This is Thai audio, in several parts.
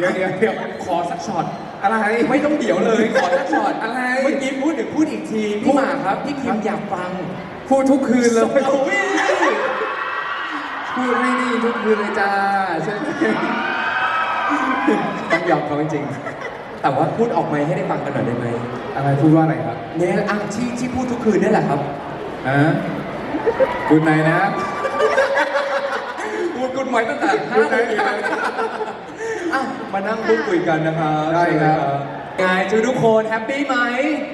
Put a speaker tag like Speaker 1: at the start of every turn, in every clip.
Speaker 1: เดี๋ยวขอสักช็อต
Speaker 2: อะไร
Speaker 1: ไม่ต้องเดี๋ยวเลยขอสักช็อต
Speaker 2: อะไร
Speaker 1: เมื่อกี้พูดอีกทีพี่หมากครับพี่คิมอยากฟัง
Speaker 2: พูดทุกคืนเลย
Speaker 1: โอ้ย
Speaker 2: พูดให้ดีทุกคืนเลยจ้าใช่ไหม
Speaker 1: ต้องยอมเขาจริงๆแต่ว่าพูดออกมาให้ได้ฟังกันหน่อยได้ไหม
Speaker 2: อะไรพูดว่าอะไรครับ
Speaker 1: เนี่ยที่พูดทุกคืนนี่แหละครับ
Speaker 2: คุณไหนนะ
Speaker 1: พูดกุณไหมตั้งแต่
Speaker 2: พูดไหนนะ
Speaker 1: มานั่งพูดคุยกันนะครับ
Speaker 2: ได้ครับ
Speaker 1: ไงทุกคนแฮปปี้ไหม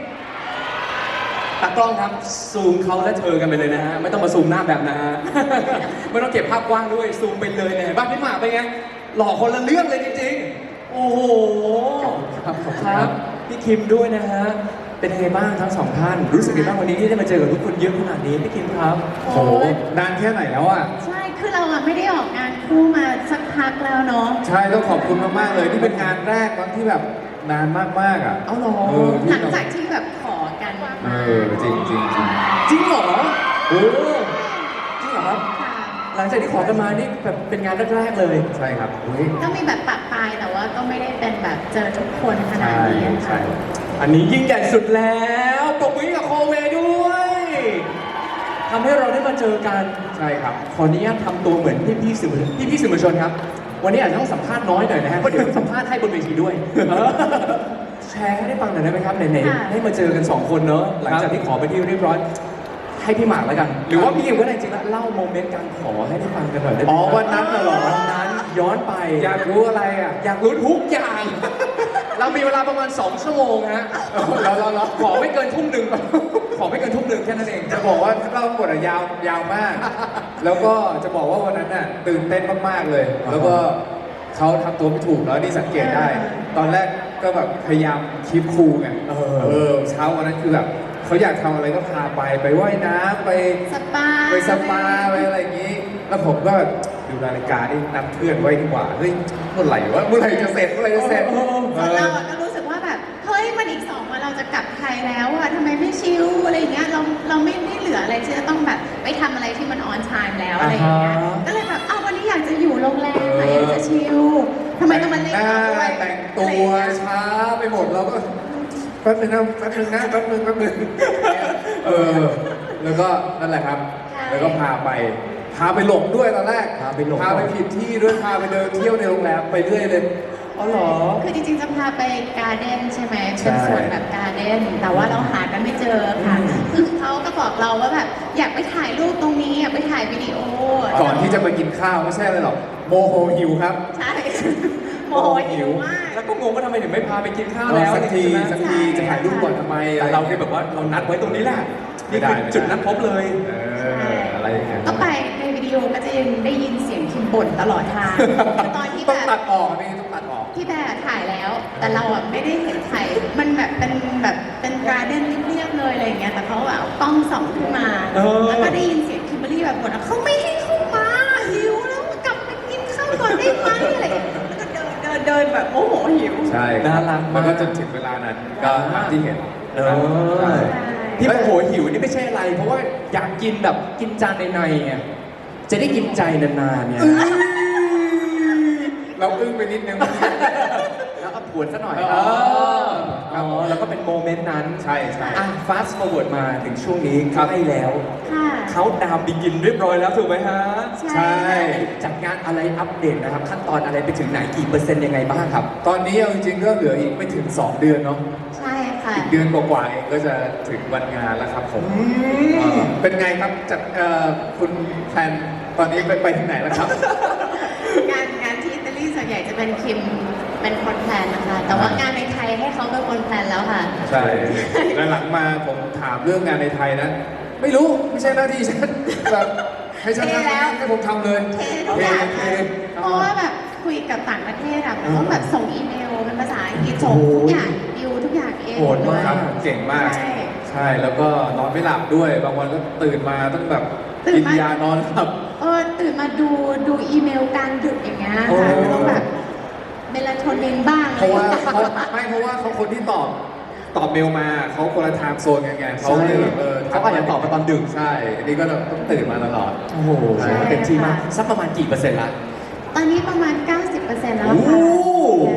Speaker 1: ตากล้องครับซูมเขาและเธอกันไปเลยนะฮะไม่ต้องมาซูมหน้าแบบนะฮ ะ ไม่ต้องเก็บภาพกว้างด้วยซูมไปเลยเนี่ยบ้านพี่หมากเป็นไงหล่อคนละเรื่องเลยจริงๆโอ้โห ครับพี่คิมด้วยนะฮะเป็นไงบ้างทั้งสองท่านรู้สึกยังไงบ้างวันนี้ที่ได้มาเจอกับทุกคนเยอะขนาดนี้พี่คิมครับ
Speaker 2: โอ้โหนานแค่ไหนแล้วอ่ะ
Speaker 3: ใช่ คือเราอะไม่ได้ออกงานคู่มาสักพักแล้วเนาะ
Speaker 2: ใช่ต้องขอบคุณมากๆเลยนี่เป็นงานแรกตอนที่แบบนานมากๆอ่ะ
Speaker 1: เอาเหรอ
Speaker 3: หลังจากที่แบบขอกัน
Speaker 2: จริงจริงจริง
Speaker 1: จริงเหรอ
Speaker 2: โอ้
Speaker 1: จริงเหรอครับ
Speaker 3: ค่ะ
Speaker 1: หลังจากที่ขอกันมานี่แบบเป็นงานแรกๆเลย
Speaker 2: ใช่ครับเฮ้ย
Speaker 3: ก็มีแบบปะปายแต่ว่าก็ไม่ได้เป็นแบบเจอทุกคนขนาดนี้
Speaker 2: ใช่
Speaker 3: ค่ะ
Speaker 1: อันนี้ยิ่งใหญ่สุดแล้วปรบมือให้กับโคเวด้วยทำให้เราได้มาเจอกัน
Speaker 2: ใช่ครับ
Speaker 1: ขออนุญาตทำตัวเหมือนพี่ๆสื่อมวลชนครับ วันนี้อาจจะต้องสัมภาษณ์น้อยหน่อยนะฮะเพราะเดี๋ยวสัมภาษณ์ให้บนเวทีด้วยแชร์ให้ได้ฟังหน่อยได้ไหมครับไหนๆได้มาเจอกันสองคนเนอะหลังจากที่ขอไปที่เรียบร้อยให้พี่หมากแล้วกัน หรือว่าพี่เอ็มก็ได้จริงๆแล้วเล่าโมเมนต์การขอให้ได้ฟังกันหน่อยได้ไหม
Speaker 2: อ๋อวันนั้นน่ะเหรอ
Speaker 1: วันนั้นย้อนไป
Speaker 2: อยากรู้อะไรอ่ะ
Speaker 1: อยากรู้ทุกอย่าง เรามีเวลาประมาณ2 ชั่วโมงฮะเราขอไม่เกินทุ่มหนึ่งขอไม่เกินทุ่มหนึ่งแค่นั้นเอง
Speaker 2: จะบอกว่าเล่าหมดอะยาวมาก แล้วก็จะบอกว่าวันนั้นน่ะตื่นเต้นมากๆเลย แล้วก็เขาทำตัวไม่ถูกแล้วนี่สังเกตได้ ตอนแรกก็แบบพยายามคีปคูลไงเช้าวันนั้นคือแบบเขาอยากทำอะไรก็พาไปว่ายน้ำไป
Speaker 3: สปา
Speaker 2: สปาไปอะไรอย่างนี้ แล้วผมก็แบบดูนาฬิกานี่นัดเพื่อนไว้ดีกว่าเฮ้ยเมื่อไหร่จะเสร็จ
Speaker 3: ส่วนเราอะก็รู้สึกว่าแบบเฮ้ยมันอีก2 วันเราจะกลับไทยแล้วอะทำไมไม่ชิลอะไรอย่างเงี้ยเราไม่เหลืออะไรที่จะต้องแบบไปทำอะไรที่มันออนไทม์แล้วอะไรอย่างเงี้ยก็เลยแบบวันนี้อยากจะอยู่โรงแรมอะอยากจะชิลทำไมต้องมาเล่นเราด้วย
Speaker 2: แต่งตัวช้าไปหมดเราก็แป๊บนึงแล้วก็นั่นแหละครับ แล้วก็พาไปหลงด้วยตอนแรกพาไปผิดที่ด้วยพาไปเดินเที่ยวในโรงแรมไปเรื่อยเลย
Speaker 1: อ๋อเหรอ
Speaker 3: คือจริงๆจะพาไปการ์เด้นใช่ไหมเป็นสวนแบบการ์เด้นแต่ว่าเราหากันไม่เจอค่ะคือเขาก็บอกเราว่าแบบอยากไปถ่ายรูปตรงนี้อยากไปถ่ายวิดีโอ
Speaker 2: ก่อนที่จะไปกินข้าวไม่ใช่เลยหรอกโมโหหิวครับ
Speaker 3: ใช่ โมโหหิวมาก
Speaker 1: แล้วก็งงว่าทำไมถึงไม่พาไปกินข้าวแล้ว
Speaker 2: สักที
Speaker 1: ใช่ไหม
Speaker 2: จะถ่ายรูปก่อนทำไม
Speaker 1: แต่เราเนี่ยแบบว่าเรานัดไว้ตรงนี้แหละนี่คือจุดนัดพบเลย
Speaker 2: อะไรอย่างเงี้ย
Speaker 3: ก็ไปในวิดีโอก็จะยังได้ยินเสียงคิมบ่นตลอดทางตอนที่
Speaker 2: ต้
Speaker 3: แบ
Speaker 2: อง
Speaker 3: บ
Speaker 2: ตัดออกนี่ต้องตัดออก
Speaker 3: ที่แบบถ่ายแล้ว แต่เราอ่ะไม่ได้เห็นถ่ายมันแบบเป็นการ์เด้นเรียบๆเลยอะไรอย่างเงี้ยแต่เขาแบบเอากล้องส่องขึ้นมาแล้วก็ได้ยินเสียงคิมเบอรรี่แบบบ่นว่าเขาไม่ให้เข้ามาหิวแล้วกลับไปกินข้าวก่อนได้ไหมอะไรอย่างเงี้ยแล้วก็เดินแบบโอ้โหหิว
Speaker 2: ใช่
Speaker 1: น่ารักมาก
Speaker 2: มันก็จนถึงเวลานั้นก็ตามที่เห็น ใช่
Speaker 1: ที่โมโหหิวนี่ไม่ใช่อะไร เพราะว่าอยากกินแบบกินจานในๆไงจะได้กินใจนานๆเนี่ย
Speaker 2: เราอึ้งไปนิดนึง
Speaker 1: แล้วเอาผวนซะหน่อย
Speaker 2: ครับ
Speaker 1: แล้วก็เป็นโมเมนต์นั้น
Speaker 2: ใช่
Speaker 1: fast forward มาถึงช่วงนี้ใกล้แล้ว
Speaker 3: ค่ะ
Speaker 1: เขาดาวน์บิกินเรียบร้อยแล้วถูกไหมฮะ
Speaker 3: ใช่
Speaker 1: จัดงานอะไรอัปเดตนะครับ ขั้นตอนอะไรไปถึงไหนกี่เปอร์เซ็นต์ยังไงบ้างครับ
Speaker 2: ตอนนี้เอาจริงๆก็เหลืออีกไม่ถึง 2 เดือนเนาะ
Speaker 3: ใช่ค่ะ
Speaker 2: อีกเดือนกว่าๆเองก็จะถึงวันงานแล้วครับผมเป็นไงครับจากคุณแพนตอนนี้ไปถึงไหนแล้วครับ
Speaker 3: งานที่อิตาลีส่วนใหญ่จะเป็นคิมเป็นคนแพลนนะคะ แต่ว่างานในไทยให้เขาเป็นคนแพลนแล้วค่ะ
Speaker 2: ใช่แล้วหลังมาผมถามเรื่องงานในไทยนะ ไม่รู้ไม่ใช่หน้าที่ฉันแบบให้ฉัน
Speaker 3: เทแล้ว
Speaker 2: ให้ผมทำเลย
Speaker 3: เททุกอย่าง
Speaker 2: เท
Speaker 3: เพราะว่าแบบคุยกับต่างประเทศอะมันต้องแบบส่งอีเมลเป็นภาษาอังกฤษส่งทุกอย่างดิวทุกอย่างเอง
Speaker 1: โหดมาก
Speaker 2: ครับเก่งมาก
Speaker 3: ใช่
Speaker 2: ใช่แล้วก็นอนไม่หลับด้วย บางวันก็ตื่นมาต้องแบบ
Speaker 3: ตื่
Speaker 2: กิ
Speaker 3: น
Speaker 2: น
Speaker 3: มา
Speaker 2: ยานอนหลับ
Speaker 3: ตื่นมาดูอีเมลกลางดึกอย่างเงี้ยค่ะต้องแบบเมลาโทนินบ้าง
Speaker 2: เพราะว่า
Speaker 3: อะไรอย่งงี้ย
Speaker 2: เพราะว่าเขาคนที่ตอบเมลมาเขาคนละไทม์โซนกันไงเขาเลยแบบ
Speaker 1: เขาอาจจะตอบมาตอนดึก
Speaker 2: ใช่อันนี้ก็ต้องตื่นมาตลอด
Speaker 1: โอ้โห
Speaker 2: ใช่
Speaker 1: เต็มที่มากสักประมาณกี่เปอร์เซ็นต์ละ
Speaker 3: ตอนนี้ประมาณ 90%แล้ว
Speaker 1: โอ้
Speaker 3: ค่ะ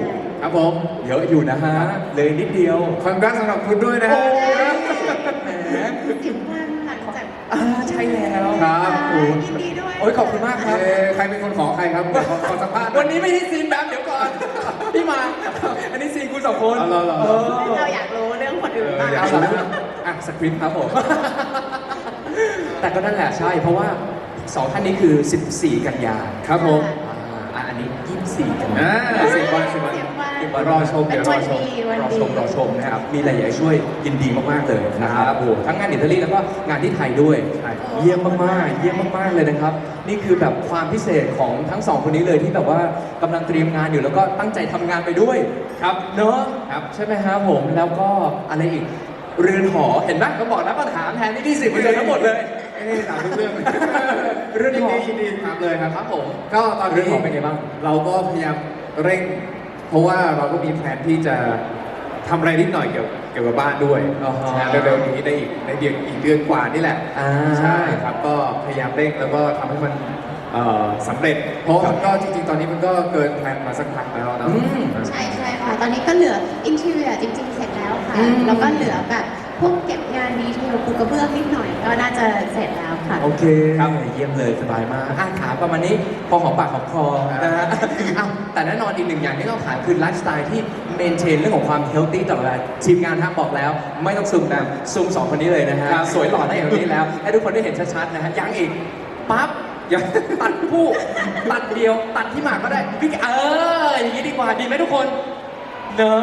Speaker 2: ครับผม
Speaker 1: เยอะอยู่นะฮะ เลยนิดเดียว
Speaker 2: คอนกราสสำหรับคุณด้วยนะฮะ
Speaker 1: แหม
Speaker 3: 10 วันหลังจาก
Speaker 1: ใช่แล้ว
Speaker 2: ครับ
Speaker 3: โอ้ยยินดีด้วย
Speaker 1: โอ้ยขอบคุณมากครับ
Speaker 2: ใครเป็นคนขอใครครับขอสัมภาษณ์
Speaker 1: วันนี้ไม่ใช่ซีนแบบเดี๋ยวก่อน พี่มา อันนี้ซีนคุณสองคน
Speaker 2: เอาเหรอ
Speaker 3: เราอยากรู้เรื่องคนอื่นบ้าง
Speaker 2: อยาก
Speaker 1: เอาละอ่ะสคริปต์ครับผม แต่ก็นั่นแหละใช่ เพราะว่าสองท่านนี้คือ 14 กันยา
Speaker 2: ครับผม
Speaker 1: อันนี้ 24 กันยา
Speaker 2: 10 วัน10 วัน รอชม
Speaker 3: เป็น
Speaker 2: เดี๋ยวร
Speaker 3: วั
Speaker 2: อน ชม
Speaker 3: ดีวัน
Speaker 1: รอ
Speaker 3: ดี
Speaker 1: ชมนะครับ มีอะไรอยากให้ช่วยยินดีมาก ๆ เลยนะครับโอ้โหทั้งงานอิตาลีแล้วก็งานที่ไทยด้วย
Speaker 2: ใช่
Speaker 1: เยี่ยมมากๆ เยี่ยมมาก ๆ เลยนะครับ นี่คือแบบความพิเศษของทั้งสองคนนี้เลยที่แบบว่ากำลังเตรียมงานอยู่แล้วก็ตั้งใจทำงานไปด้วย
Speaker 2: ครับ
Speaker 1: เนาะ
Speaker 2: ครับ
Speaker 1: ใช่ไหมครับผม แล้วก็อะไรอีก เรือนหอ เห็นไหมก็บอกนะปัญหาแทนที่ที่10%ทั้งหมดเลย
Speaker 2: ถามทุกเรื่องเลย
Speaker 1: เรื่องหอ
Speaker 2: ยินดีถามเลยครับ
Speaker 1: ครับผม
Speaker 2: ก็ตอน
Speaker 1: เรื่อง
Speaker 2: นี้
Speaker 1: หอเป็นไงบ้าง
Speaker 2: เราก็พยายามเร่ง เพราะว่าเราก็มีแผนที่จะทำอะไรนิดหน่อยเกี่ยวกับบ้านด้วย
Speaker 1: อ๋อฮะ
Speaker 2: นะเร็วๆนี้ได้อีกเดือนกว่านี่แหละ
Speaker 1: อ่า
Speaker 2: ใช่ครับก็พยายามเร่งแล้วก็ทำให้มันสำเร็จ เพราะมันก็จริงๆ ตอนนี้มันก็เกินแผนมาสักพักแล้วนะ
Speaker 1: อืม
Speaker 3: ใช่ใช่ค่ะ ตอนนี้ก็เหลืออินทีเรียจริงๆ เสร็จแล้วค่ะ
Speaker 1: อืม
Speaker 3: แล้วก็เหลือแบบพวกเก็บงานดีเทลปูกระเบื้องนิดหน่อยก็น่าจะเสร็จแล้วค่ะ
Speaker 1: โอเคครับเยี่ยมเลยสบายมากถามประมาณนี้พอหอมปากหอมคอนะฮะอ้าวแต่แน่นอนอีกหนึ่งอย่างที่ต้องถามคือไลฟ์สไตล์ที่เมนเทนเรื่องของความเฮลตี้ตลอดเวลาทีมงานท่าบอกแล้ว ไม่ต้องซูมแบบซูมสองคนนี้เลยนะฮะ
Speaker 2: ครับ
Speaker 1: สวยหล่อได้อย่างนี้แล้ว ให้ทุกคนได้เห็นชัดๆนะฮะยังอีกปั๊บยังตัดผู้ตัดเดียวตัดที่หมากก็ได้พี่อย่างนี้ดีกว่าดีไหมทุกคนเนอะ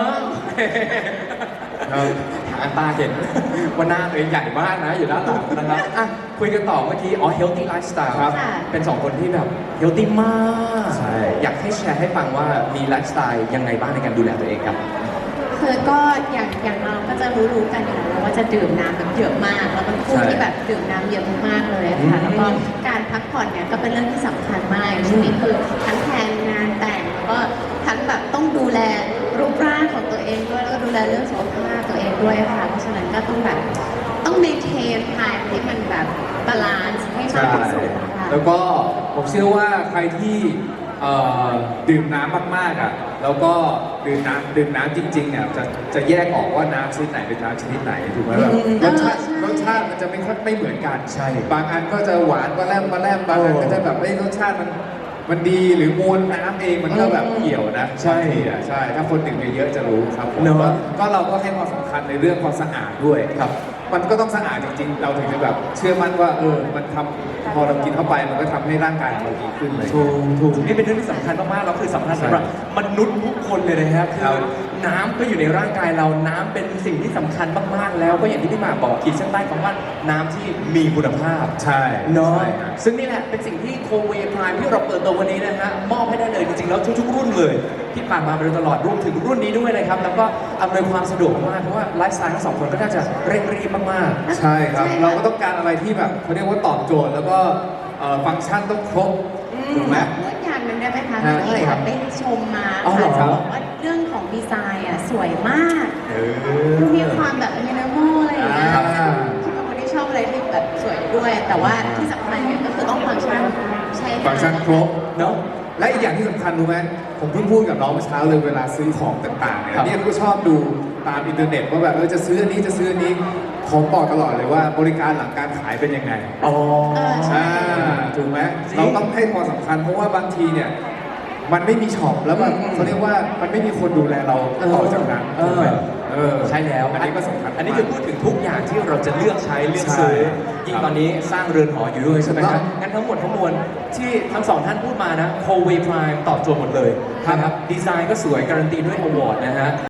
Speaker 1: หางตาเห็นว่าหน้าตัวเองใหญ่มากนะอยู่ด้านหลังนะครับอ่ะคุยกันต่อเมื่อกี้healthy lifestyle
Speaker 2: ครับ
Speaker 1: เป็นสองคนที่แบบ healthy มาก
Speaker 2: ใช่
Speaker 1: อยากให้แชร์ให้ฟังว่ามีไลฟ์สไตล์ยังไงบ้างในการดูแลตัวเองครับ
Speaker 3: คือก็อย่างเราก็จะรู้กันอยู่แล้วว่าจะดื่มน้ำแบบเยอะมาก แล้วเป็นผู้
Speaker 2: ใช่
Speaker 3: ที่แบบดื่มน้ำเยอะมากๆเลยค่ะ แล้วก็การพักผ่อนเนี่ยก็เป็นเรื่องที่สำคัญมากช่วงนี้คือทั้งแทนงานแต่งแล้วก็ทั้งแบบต้องดูแลรูปร่างของตัวเองด้วยแล้วก็ดูแลเรื่องสุขภาพตัวเองด้วยค่ะ เพราะฉะนั้นก็ต้องแบบต้องเมนเทนไทม์ที่มันแบบบาลานซ์ให้มากที่สุดนะคะ
Speaker 2: แล้วก็ผมเชื่อว่าใครที่ดื่มน้ำมากๆอ่ะแล้วก็ดื่มน้ำจริงๆเนี่ยจะแยกออกว่าน้ำชนิดไหนเป็นน้ำชนิดไหนถูกไหมแบบ
Speaker 3: อืม
Speaker 2: รสชาติ
Speaker 3: ใช่
Speaker 2: รสชาติมันจะไม่เหมือนกัน
Speaker 1: ใช่
Speaker 2: บางอันก็จะหวานมาแลมบางอันก็จะแบบรสชาติมันดีหรือมวลน้ำเองมันก็แบบเกี่ยวนะ
Speaker 1: ใช่
Speaker 2: บางทีอ่ะใช่ถ้าคนดื่มเยอะๆจะรู้ครับผม
Speaker 1: เนอะ
Speaker 2: ก็เราก็ให้ความสำคัญในเรื่องความสะอาดด้วย
Speaker 1: ครับ
Speaker 2: มันก็ต้องสะอาดจริงๆ เราถึงจะแบบเชื่อมั่นว่ามันทำพอเรากินเข้าไปมันก็ทำให้ร่างกายของเราดีขึ้นเลย
Speaker 1: ถูกนี่เป็นเรื่องที่สำคัญมากๆแล้วคือสำคัญสำหรับมนุษย์ทุกคนเลยนะครับ
Speaker 2: ครั
Speaker 1: คื
Speaker 2: บ
Speaker 1: อน้ำก็อยู่ในร่างกายเราน้ำเป็นสิ่งที่สำคัญมากๆแล้วก็อย่างที่พี่หมากบอกขีดเส้นใต้คำว่าน้ำที่มีคุณภาพ
Speaker 2: ใช่
Speaker 1: เนาะ
Speaker 2: ใช่ครับ
Speaker 1: ซึ่งนี่แหละเป็นสิ่งที่โคเวพรายที่เราเปิดตัววันนี้นะฮะมอบให้ได้เลยจริงๆแล้วทุกๆรุ่นเลยที่ผ่านมาโดยตลอดรวมถึงรุ่นนี้ด้วยนะครับแล้วก็อำนวยความสะดวกมากเพราะว่าไลฟ์สไตล์ทั้งสองคนก็น่าจะเร่งรีบมากๆ
Speaker 2: ใช่ครับ
Speaker 3: ใช่ค่ะ
Speaker 2: เราก็ต้องการอะไรที่แบบเขาเรียกว่าตอบโจทย์แล้วก็ฟังก์ชันต้องครบถูกไหม
Speaker 3: พูดอย่างหนึ่งได้ไหมคะ
Speaker 2: ฮะ
Speaker 3: ที่แบบได้ชมมา
Speaker 1: อ๋อเหรอ
Speaker 3: ค่ะจะบอกว่าเรื่องของดีไซน์อ่ะสวยมาก
Speaker 2: เอ
Speaker 3: มีความแบบมินิมอลอะไรอย่างเงี้ย
Speaker 2: อ่า
Speaker 3: คิดว่าคนที่ชอบอะไรที่แบบสวยด้วย แต่ว่าที่สำคัญเนี่ยก็คือต้องฟังก์ชันใช่
Speaker 2: ฟังก์ชันครบ
Speaker 1: เนาะ
Speaker 2: และอีกอย่างที่สำคัญรู้ไหมผมเพิ่งพูดกับน้องเมื่อเช้าเลยเวลาซื้อของต่างๆเนี่ย
Speaker 1: ครับ
Speaker 2: เนี่ยก็ชอบดูตามอินเทอร์เน็ตว่าแบบจะซื้ออันนี้จะซื้ออันนี้ผมบอกตลอดเลยว่าบริการหลังการขายเป็นยังไง
Speaker 1: อ๋อ
Speaker 2: อ่าถูกไหม
Speaker 1: จริง
Speaker 2: เราต้องให้ความสำคัญเพราะว่าบางทีเนี่ยมันไม่มีช็อปแล้วมัน
Speaker 1: อืม
Speaker 2: เขาเรียกว่ามันไม่มีคนดูแลเราต่อจากนั้นถูกไหม
Speaker 1: ใช่แล้ว
Speaker 2: อันนี้ก็สำคัญ
Speaker 1: อันนี้คือพูดถึงทุกอย่างที่เราจะเลือกใช้เลือกซื้อ
Speaker 2: ใช่
Speaker 1: ยิ่งตอนนี้สร้างเรือนหออยู่ด้วยใช่ไหม
Speaker 2: ถูก
Speaker 1: ค
Speaker 2: ต้
Speaker 1: รั
Speaker 2: อบ ง
Speaker 1: งั้นทั้งหมดทั้งมวลที่ทั้งสองท่านพูดมานะโคเวพรายตอบโจทย์หมดเลย
Speaker 2: ครับ
Speaker 1: นะครับดีไซน์ก็สวยการันตีด้วยอวอร์ดนะฮะ